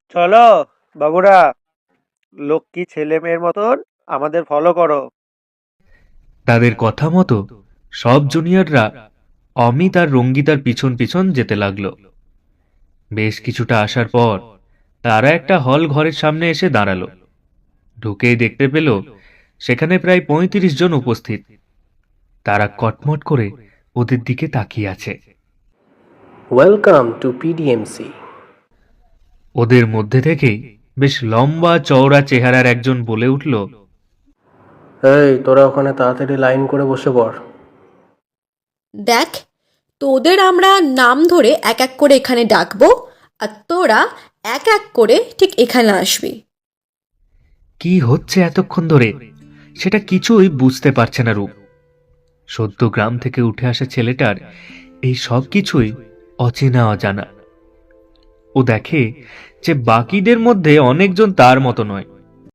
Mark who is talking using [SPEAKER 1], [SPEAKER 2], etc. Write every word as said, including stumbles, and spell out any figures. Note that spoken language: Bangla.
[SPEAKER 1] চলো বাবুরা, লক্ষ্মী ছেলে মেয়ের মতন আমাদের ফলো করো।
[SPEAKER 2] তাদের কথা মতো সব জুনিয়ররা অমিত আর রঙ্গিতার পিছন পিছন যেতে লাগলো। বেশ কিছুটা আসার পর তারা একটা হল ঘরের সামনে এসে দাঁড়ালো। ঢুকেই দেখতে পেল সেখানে প্রায় পঁয়ত্রিশ জন উপস্থিত। তারা কটমট করে ওদের দিকে তাকিয়ে আছে।
[SPEAKER 3] Welcome to PDMC.
[SPEAKER 2] ওদের মধ্যে থেকেই বেশ লম্বা চওড়া চেহারার একজন বলে উঠল,
[SPEAKER 3] এই তোরা ওখানে তাড়াতাড়ি লাইন করে বসে পড়।
[SPEAKER 4] দেখ, তোদের আমরা নাম ধরে এক এক করে এখানে ডাকবো, আর তোরা এক এক করে ঠিক এখানে আসবি।
[SPEAKER 2] কি হচ্ছে এতক্ষণ ধরে সেটা কিছুই বুঝতে পারছে না রূপ। সদ্য গ্রাম থেকে উঠে আসা ছেলেটার এই সব কিছুই অচেনা অজানা। ও দেখে যে বাকিদের মধ্যে অনেকজন তার মতো নয়।